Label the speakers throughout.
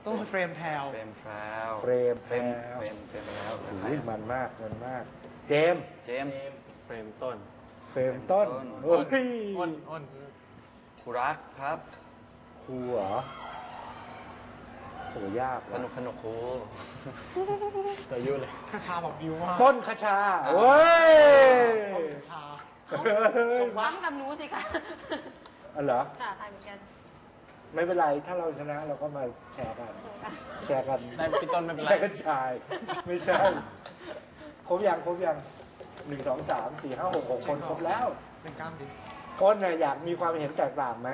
Speaker 1: ต้องเฟรมแพลว
Speaker 2: เฟรมแพลว
Speaker 3: เฟรม
Speaker 2: แล้ว
Speaker 3: ถือมันมากเจมส์
Speaker 2: เจมส์เฟรมต้น
Speaker 3: เฟรมต้นโอ้ย
Speaker 1: อ้น
Speaker 2: ครูรักครับ
Speaker 3: ครูเหรอโหยาก
Speaker 2: สนุกครู
Speaker 1: แต่ยุ่เลยคาชาบอกบิวมาก
Speaker 3: ต้นคชาเว้ย
Speaker 1: ต้นคาชา
Speaker 4: ซ้ำกับหนูสิคะ
Speaker 3: อ๋อเหรอ
Speaker 4: ค่ะทายเหมือนกัน
Speaker 3: ไม่เป็นไรถ้าเราชนะเราก็มาแชร์กัน แชร์กัน
Speaker 1: ได้พี่ต้นไม่เป็นไร
Speaker 3: แชร์กันชายไม่ใช่ครบยัง1 2 3 4 5 6 6 คนครบแล้ว
Speaker 1: เป็นกล้ามดิ
Speaker 3: ต้นน่ะอยากมีความเห็นแตกต่างไหม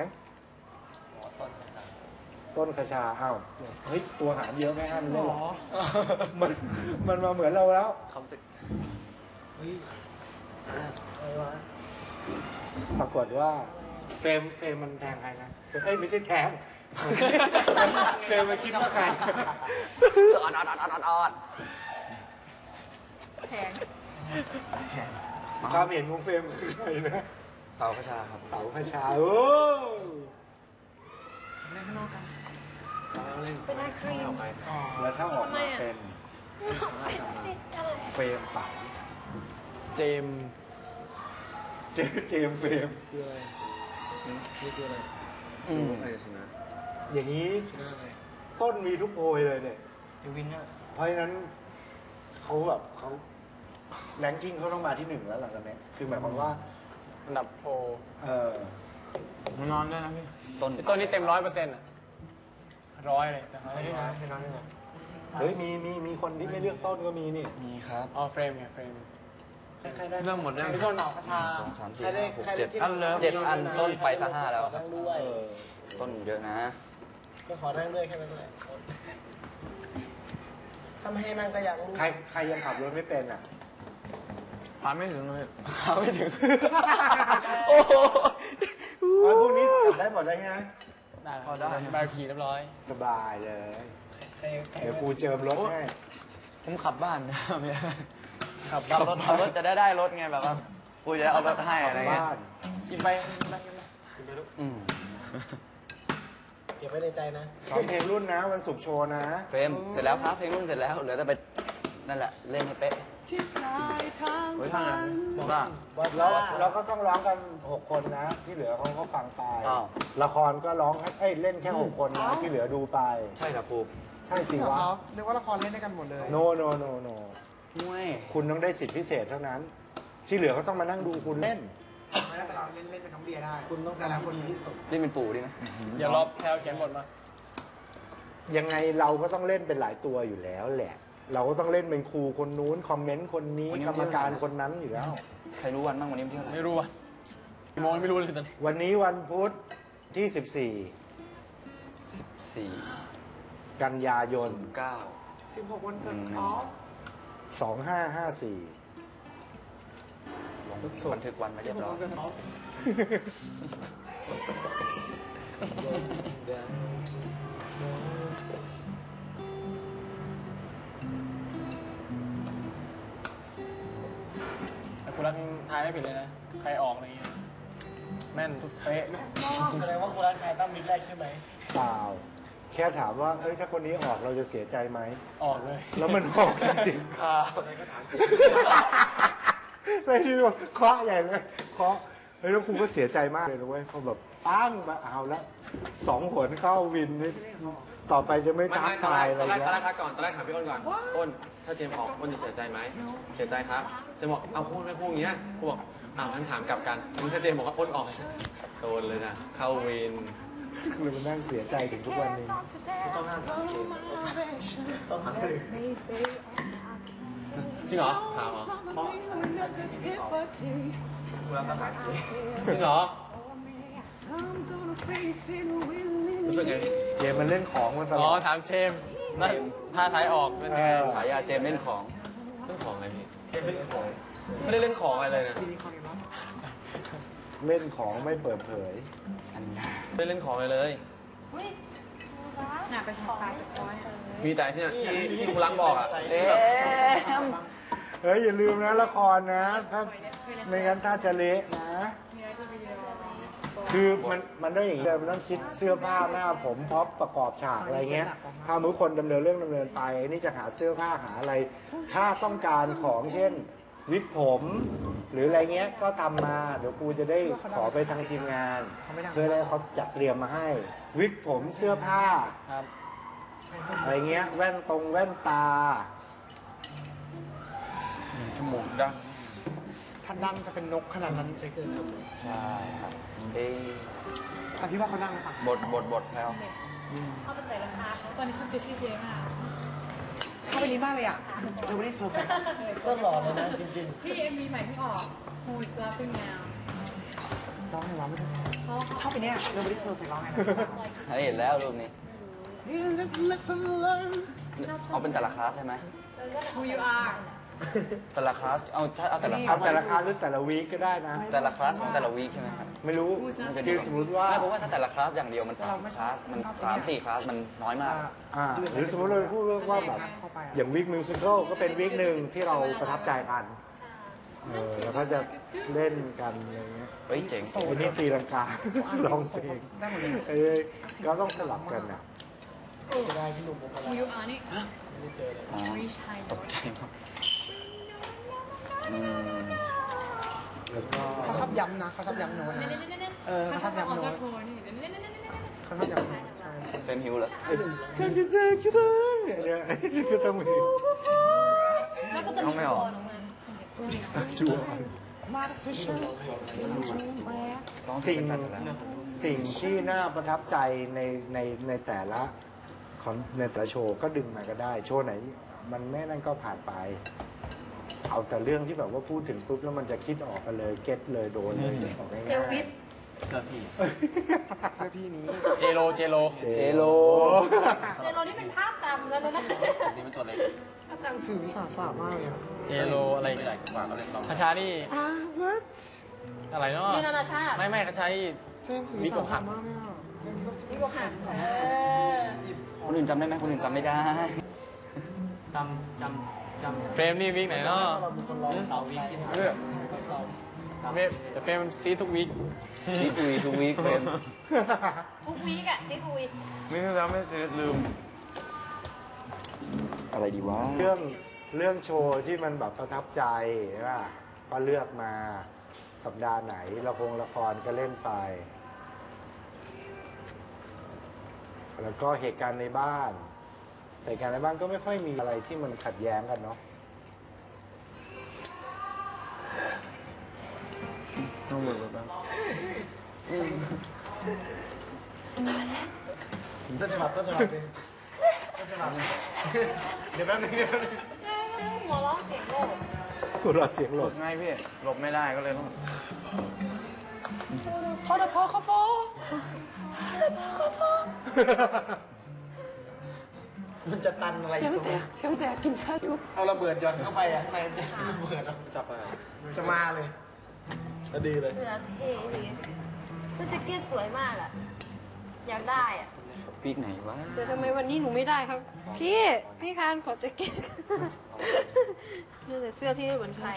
Speaker 3: ต้นคชาอ้าวเฮ้ยตัวหารเยอะไหมฮะมัน
Speaker 1: หร
Speaker 3: เล่น
Speaker 1: อ
Speaker 3: มันมาเหมือนเราแล้ว
Speaker 2: คำสึก
Speaker 1: เฮ้ยอะไรวะ
Speaker 3: ปรากฏว่าเฟรมมันแทงใครนะเอ้ยไม่ใช่แทงเฟรมมันคิดว่าใคร
Speaker 2: ออด
Speaker 4: แพง
Speaker 3: ความเห็นของเฟรมคือใครนะ
Speaker 2: เต่าพระชาครับ
Speaker 3: เต๋าคชาโอ้
Speaker 1: เล่นข้างนอกกัน
Speaker 4: เป็นไอครีม
Speaker 3: แล้วถ้าออกมาเป็น
Speaker 4: อะไร
Speaker 3: เฟรมเต๋า
Speaker 1: เจม
Speaker 3: เจมส์เฟรม
Speaker 1: คืออะไรนี่คืออะไร
Speaker 2: ใครจะชนะ
Speaker 3: อย่างนี้
Speaker 1: ชนะอะไร
Speaker 3: ต้นมีทุกโพยเลยเนี่ย
Speaker 1: ยูวินเนี่ย
Speaker 3: เพราะฉะนั้นเขาแรงกิ้งเขาต้องมาที่1แล้วหลังจากนี้คือหมายความว่า
Speaker 1: อันดับโพ
Speaker 3: ผม
Speaker 1: นอนด้วยนะพี่
Speaker 2: ต้น
Speaker 1: ต้นนี้เต็ม100%อ่ะ100เลยแต่ให้นอนให้นอนให้นอน
Speaker 3: เฮ้ยมีคนที่ไม่เลือกต้นก็มีนี่
Speaker 2: มีครับ
Speaker 1: อ๋อเฟรมไงเฟรม
Speaker 3: ใครได้
Speaker 1: เรื่องหมดแล้วพี่ต้นคาชา
Speaker 2: 1 2 3 4 5 6 7
Speaker 1: อันเลิฟ
Speaker 2: 7 อันต้นไปซะ5แล้วครับ
Speaker 1: ด้วย
Speaker 2: ต้นเยอะนะ
Speaker 1: ก็ขอนั่งด้วยแค่นั้นแหละถ้าไม่ให้นั่งก็อยากรู้
Speaker 3: ใครยังขับรถไม่เป็นอ่ะ
Speaker 1: พาไม่ถึงเลย
Speaker 2: ไม่ถึง โอ้โห
Speaker 3: พวกนี้ขับได้หมดเลยไง
Speaker 1: ได้พอได้ใบขี่เรียบร้อย
Speaker 3: สบายเลย เดี๋ยวกูเจิมรถให้
Speaker 2: ผมขับบ้านนะเมีย
Speaker 1: ขับ
Speaker 2: ขับรถจะได้รถไงแบบว่ากูจะเอารถให้อะไรเงี้ย
Speaker 3: บ้าน
Speaker 1: กินไปกินไปลูก
Speaker 2: อืม
Speaker 1: เก็บไว้ในใจนะ
Speaker 3: ซ้อมเพลงรุ่นนะวันศุกร์โชว์นะ
Speaker 2: เฟรมเสร็จแล้วครับเพลงรุ่นเสร็จแล้วเหลือแต่ไปนั่นแหละเล่นให้เป๊ะไว้ทางนั้นบ้า
Speaker 3: แล้วเราก็ต้องร้องกัน 6 คนนะ ที่เหลือเขาก็ฟังไป
Speaker 2: อ้าว
Speaker 3: ละครก็ร้องเล่นแค่ 6 คนนะที่เหลือดูไป
Speaker 2: ใช่เหรอครู
Speaker 3: ใช่สิวะ
Speaker 1: นึกว่าละครเล่นด้วยกันหมดเลย
Speaker 3: โน
Speaker 2: มวย
Speaker 3: คุณต้องได้สิทธิพิเศษเท่านั้น ที่เหลือก็ต้องมานั่งดูคุณเล่น
Speaker 1: ไม่ได้แต่เราเล่นเป็นทั้งเบียร์ได้ คุณต้องการคนดีที่สุด
Speaker 2: นี่เป็นปู่ดินะ
Speaker 1: อย่ารอแพลวเขียนบทมา
Speaker 3: ยังไงเราก็ต้องเล่นเป็นหลายตัวอยู่แล้วแหละ เราก็ต้องเล่นเป็นครูคนนู้นคอมเมนต์คนนี้กรรมการคนนั้นอยู่แล้ว
Speaker 2: ใครรู้วันบ้างวันนี้วันที่เท่าไหร่
Speaker 1: ไม่รู้อ่ะกี่โมงไม่รู้เลยตอนนี้
Speaker 3: วันนี้วันพุธที่
Speaker 2: 4
Speaker 3: 14 กันยายน
Speaker 2: 9
Speaker 1: 16 วันเกิด
Speaker 3: 2554
Speaker 2: ลงบันทึกวันมาเรียบร้อย
Speaker 1: แต่คุณรักทายไม่ผิดเลยนะ ใครออกอะไรเงี้ย แม่นเป๊ะแสดงว่าคุณรักทายตั้งมิดแรกใช่ไหม
Speaker 3: เปล่า แค่ถามว่าถ้าคนนี้ออกเราจะเสียใจไหม
Speaker 1: ออกเลย
Speaker 3: แล้วมันออกจริงๆ
Speaker 2: ครับ
Speaker 3: ใช่ที่ว่าเคาะใหญ่เลยเคาะเฮ้ยแล้วกูก็เสียใจมากเลยนะเว้ยพอแบบปั้งมาเอาละ2 หนเข้าวินนี่ต่อไปจะไม่ท้าทายอะไร
Speaker 5: ตอนแรก
Speaker 3: แล้ว
Speaker 5: ทักก่อน ตอนแรกถามพี่อ้นก่อน อ้น ถ้าเจมส์ออก อ้นจะเสียใจไหม เสียใจครับ เจมส์บอก เอาพูดไม่พูดอย่างนี้นะกูบอกงั้นถามกลับกันงั้นถ้าเจมส์บอกว่าอ้นออกโดนเลยนะ เข้าวิน
Speaker 3: เลยมันนั่งเสียใจถึงทุกวันนี้
Speaker 1: ต้องห้ามถามเจมส์ต้องถามเลย
Speaker 5: จริงเหรอ ถามเหรอ
Speaker 1: เพราะอันนี้ที่ออกคุณรักต้องถามเจมส์
Speaker 5: จริงเหรอ รู้สึกไง
Speaker 3: เจมมันเล่นของมันตล
Speaker 1: อ๋อ
Speaker 3: อด
Speaker 1: ถามเจมส์นั่นถ้าทายออกเป็นไง
Speaker 2: ฉายาเจมส์เล่นของ
Speaker 5: เรื่องของอะไรพี่
Speaker 1: เจมส์เป็นของ
Speaker 5: ไม่ได้เล่นของอะไรเลยนะ
Speaker 3: เล่นของไม่เปิดเผย
Speaker 5: ไม่ได้เล่นของอะไรเลย
Speaker 4: น่ะไปทำปลาจากร้อย
Speaker 5: มีแต่ที่คุณรักบอกอ่ะ
Speaker 2: เอ๊ะ
Speaker 3: เฮ้ยอย่าลืมนะละครนะ ถ้าไม่งั้นถ้าจะเละนะ
Speaker 4: มีอะไรก็วิดีโอ
Speaker 3: คคือมันต้องอย่างนี้เลยมันต้องคิดเสื้อผ้าหน้าผมพ็อปประกอบฉากอะไรเงี้ยถ้ามือคนดำเนินเรื่องดำเนินไปนี่จะหาเสื้อผ้าหาอะไร ถ้าต้องการของเช่นวิกผม หรืออะไรเงี้ยก็ทำมาเดี๋ยวครูจะได้ขอไปทางทีมงาน เพื่อให้เขาจัดเตรียมมาให้ วิกผมเสื้อผ้า
Speaker 1: ครับ
Speaker 3: อะไรเงี้ยแว่นตา
Speaker 1: จมูกดัง
Speaker 6: ถ้าดังจะเป็นนกขนาดนั้นใช่เกินครับ
Speaker 2: ใช่ครับเอ้ย
Speaker 6: แต่พี่ว่าเขาดังหรือเปล่า
Speaker 2: บทแล้ว
Speaker 4: เขาเป็นแต่ละคาตอนนี้ชุดเจชี่เจมาก
Speaker 6: ชอบไปนี้มากเลยอ่ะ Nobody's Perfect
Speaker 1: ก็หล่อเลยนะจริง
Speaker 4: พี่เอ็มวีใหม่เพิ่งออก Who is Laughing Now
Speaker 6: ร้องไงวะไม่ได้ชอบไปเนี้ย Nobody's Perfect ร้องไงนะ
Speaker 2: เห็นแล้วรูปนี้ เอาเป็นแต่ละคลาสใช่ไหม
Speaker 4: Who You Are
Speaker 2: แต่ละคลาส เอาถ้าเอาแต่ละคลา
Speaker 3: เอา
Speaker 2: ส
Speaker 3: แต่ละคาหรือแต่ละวีคก็ได้นะ
Speaker 2: แต่ละคลาสของแต่ละวีคใช่ไหมครับ
Speaker 3: ไม่รู้คือสมมติว่า
Speaker 2: ไม่เพราะว่าถ้าแต่ละคลาสอย่างเดียวมัน3 คลาส มัน3-4 คลาส มันน้อยมาก
Speaker 3: หรือสมมติเราพูดเรื่องว่าแบบอย่างวิกมิวสิคลก็เป็นวิกหนึ่งที่เราประทับใจกันแล้วก็จะเล่นกันอะไรเงี้ย
Speaker 2: เฮ้ยเจ๋ง
Speaker 3: วันนี้ตีลังกา ร้องเพลงก็ต้องสลับกันอ่ะ
Speaker 4: Who You Are นี่
Speaker 2: อ๋อ
Speaker 4: Reach High
Speaker 2: ตกใจมากอืม
Speaker 3: แล้วก็
Speaker 6: เขาชอบย้ำนะเขาชอบย้ำโน้ตนะ
Speaker 4: เขาชอบออกก็โทรนี่
Speaker 6: เขาชอบย้ำโน้ตใช่
Speaker 2: เฟรมฮิวเหรอ
Speaker 3: ฉันจะเลิกคิดเลยเนี่ยก็ต้องมี
Speaker 4: แล้วก็จะมีตัวลงมา
Speaker 3: จั่ว
Speaker 6: มาสเชอร์
Speaker 2: ร้องเพล
Speaker 3: สิ่
Speaker 2: ง
Speaker 3: ง
Speaker 2: เป็นกันแล้ว
Speaker 3: สิ่งที่น่าประทับใจในแต่ละของในแต่ละโชว์ก็ดึงมาก็ได้ โชว์ไหน มันไม่นั่นก็ผ่านไป เอาแต่เรื่องที่แบบว่าพูดถึงปุ๊บแล้วมันจะคิดออกกันเลยเก็ตเลยโดนเลยสองง่ายๆ
Speaker 4: เอลวิส
Speaker 1: เสื้อพี่
Speaker 6: เสื้อพี่นี้
Speaker 1: เจโร
Speaker 3: เจโล
Speaker 4: เจโรนี่เป็นภาพจำแล้วนะ
Speaker 1: นี่เป็นตัวเล็ก
Speaker 4: ภาพจำ
Speaker 6: ถือวิสาสะมากเลยอ่ะ
Speaker 1: เจโรอะไรใหญ่กว่าเขาเล่นเราคาชานี่
Speaker 6: what
Speaker 1: อะไรเนาะ
Speaker 4: นี่นานาชาติ
Speaker 1: ไม่คาชานี่
Speaker 6: เจมส์ถือวิสาสะมากเลยอ่ะเจมส์ก็จะ
Speaker 4: นี่ก็หัน
Speaker 6: หยิบ
Speaker 2: คนอื่นจำได้ไหมคนอื่นจำไม่ได้
Speaker 1: เฟรมนี่วิกไหนเนาะเฟรมซีทุกวิก
Speaker 2: ซีทุยทุกวีคเฟรม
Speaker 4: ทุกวีกอะที่ทุกวีก
Speaker 1: ไม่แล้วไม่ลืม
Speaker 2: อะไรดีวะ
Speaker 3: เรื่องโชว์ที่มันแบบประทับใจใช่ป่ะก็เลือกมาสัปดาห์ไหนละครก็เล่นไป แล้วก็เหตุการณ์ในบ้านแต่เหตุการณ์ในบ้านก็ไม่ค่อยมีอะไรที่มันขัดแย้งกันเนาะ
Speaker 1: ต้องหมดแล้ว ต้นฉบับเดี๋ยวแป๊บนึง
Speaker 4: หัวเราะเสียงโลก
Speaker 3: หัวเราะเสียงหล
Speaker 1: หล
Speaker 3: บบ
Speaker 1: ง่ายพี่หลบไม่ได้ก็เลยต้อง
Speaker 4: พอเขาฟอ
Speaker 1: มันจะตันอะไร
Speaker 4: เสียงแตกกินข้าวอยู่
Speaker 1: เอาระเบิดหย่อนเข้าไปอ่ะข้างในมันจะระเบิดอ่ะจับไปจะมาเลยจะดีเลย
Speaker 7: เสื้อเท่ดีเสื้อแจ็คเก็ตสวยมากอ่ะ อยากได้อ่ะ
Speaker 2: วีคไหนวะ
Speaker 7: แต่ทำไมวันนี้หนูไม่ได้ครับ พี่คานขอแจ็คเก็ตนี่แต่เสื้อที่ไม่เหมือนใคร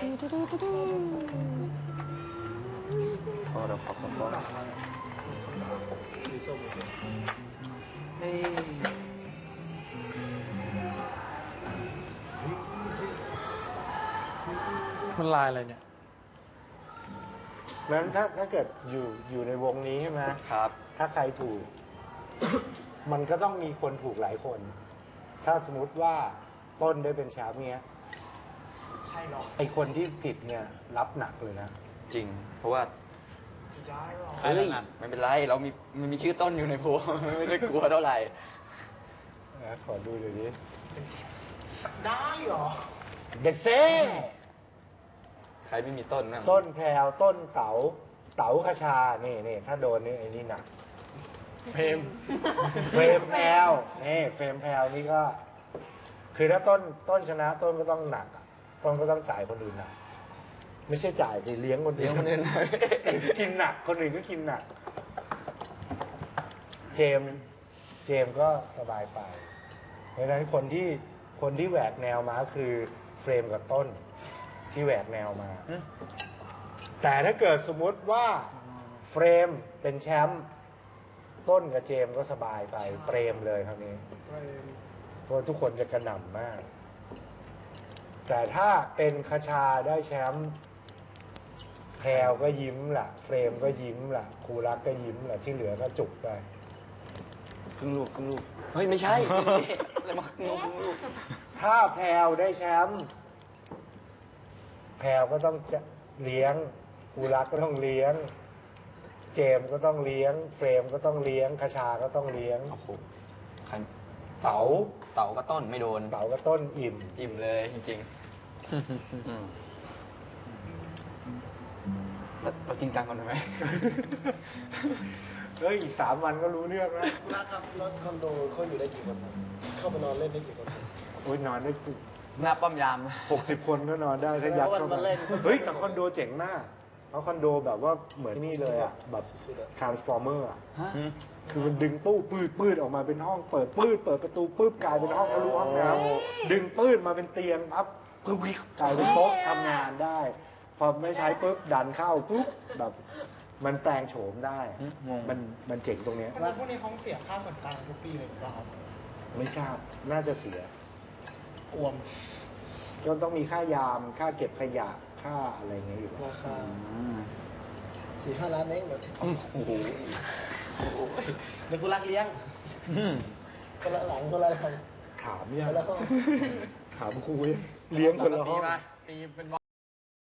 Speaker 2: พอเราขอบคุณพ่อเฮ้ย
Speaker 1: มันลายอะไรเนี่ย
Speaker 3: งั้นถ้าเกิดอยู่ในวงนี้ใช่ไหม
Speaker 2: ครับ
Speaker 3: ถ้าใครถูก มันก็ต้องมีคนถูกหลายคน ถ้าสมมติว่าต้นได้เป็นแชมป์เนี้ย
Speaker 6: ใช่หรอ
Speaker 3: ไอคนที่ผิดเนี่ยรับหนักเลยนะ
Speaker 2: จริง เพราะว่า
Speaker 6: จะได้หรอ
Speaker 1: ใคร
Speaker 2: เฮ้ย
Speaker 1: หนัก
Speaker 2: ไม่เป็นไร เรามันมีชื่อต้นอยู่ในโพล ไม่ได้กลัวเท่าไหร่
Speaker 3: ขอดูเดี๋ยวนี้
Speaker 6: ได้หรอ
Speaker 3: เดเซ่
Speaker 2: ใครไม่มีต้นนะ
Speaker 3: ต้นแพรวต้นเต๋าคชานี่ถ้าโดนนี่ไอ้นี่หนัก
Speaker 1: เพลม
Speaker 3: เฟรมแพรวนี่เฟรมแพรวนี่ก็ คือถ้าต้นชนะต้นก็ต้องหนักอะต้นก็ต้องจ่ายคนอื่นหนัก ไม่ใช่จ่ายสิเลี้ยงคนอื่น
Speaker 2: เลี้ยงคนอื่น
Speaker 3: กินหนักคนอื่นก็กินหนัก เจมส์ก็สบายไป เพราะฉะนั้นคนที่แหวกแนวมาคือเฟรมกับต้นที่แหวกแนวมา แต่ถ้าเกิดสมมุติว่าเฟรมเป็นแชมป์ต้นกับเจมส์ก็สบายไปเปรมเลยคราวนี้เพราะทุกคนจะกระหน่ำมาก แต่ถ้าเป็นคชาได้แชมป์แพรวก็ยิ้มล่ะ เฟรมก็ยิ้มล่ะครูรักก็ยิ้มล่ะที่เหลือก็จุกไป
Speaker 2: ครึ่งลูกครึ่งลูก เฮ้ย ไม่ใช่ อะไรมาครึ่งลูกครึ่งลูก
Speaker 3: ถ้าแพรวได้แชมป์แพรวก็ต้องจะเลี้ยงครูรักก็ต้องเลี้ยง เจมส์ก็ต้องเลี้ยง เฟรมก็ต้องเลี้ยงคชาก็ต้องเลี้ยง
Speaker 2: โอ้โหใคร
Speaker 3: เต๋า
Speaker 2: เต่าก็ต้นไม่โดน
Speaker 3: เต๋าก็ต้นอิ่ม
Speaker 2: อิ่มเลยจริงๆเราจริงจังกันไหม
Speaker 3: เฮ้ยอีก3 วันก็รู้เรื่องแล้ว
Speaker 1: คุณรักครับรถคอนโดเขาอยู่ได้กี่คนครับเข้าไปนอนเล่นได้กี่คนครับ
Speaker 3: โอ้ยนอนได้
Speaker 2: หน้าป้อมยาม
Speaker 3: 60 คนก็นอนได้ถ้ายัดเข้า
Speaker 1: แล้ววันมา
Speaker 3: มา
Speaker 1: เล่น
Speaker 3: เฮ้ยแต่คอนโดเจ๋งมากเพราะคอนโดแบบว่าเหมือนนี่เลยอ่ะแบบ transformer อ่ะ
Speaker 2: ฮะ
Speaker 3: คือมันดึงตู้ปืดออกมาเป็นห้องเปิดประตูปื๊บกลายเป็นห้องทะลุห้องน้ำดึงปืดมาเป็นเตียงปั๊บปึ๊บกลายเป็นโต๊ะทำงานได้ พอไม่ใช้ปุ๊บดันเข้าปุ๊บแบบมันแปลงโฉมได้
Speaker 2: งง
Speaker 3: มันเจ๋งตรงเนี้ย
Speaker 1: แล้วพวกนี้เขาเสียค่าส่วนกลางทุกปีเลยหรือเปล่าครับ
Speaker 3: ไม่ทราบน่าจะเสีย
Speaker 1: อวม
Speaker 3: ก็ต้องมีค่ายามค่าเก็บขยะค่าอะไรเงี้ยอยู่แล้ว
Speaker 1: ราคา
Speaker 2: อืม
Speaker 1: 4-5 ล้านเองเหรอ
Speaker 2: โอ้โห
Speaker 1: เดี๋ยวคุณรักเลี้ยง คนละหลังคนละหลัง
Speaker 3: ถามยัง
Speaker 1: คนละห้อง
Speaker 3: ถามครูเลี้ยงคนละห้อง
Speaker 1: ตีเป็น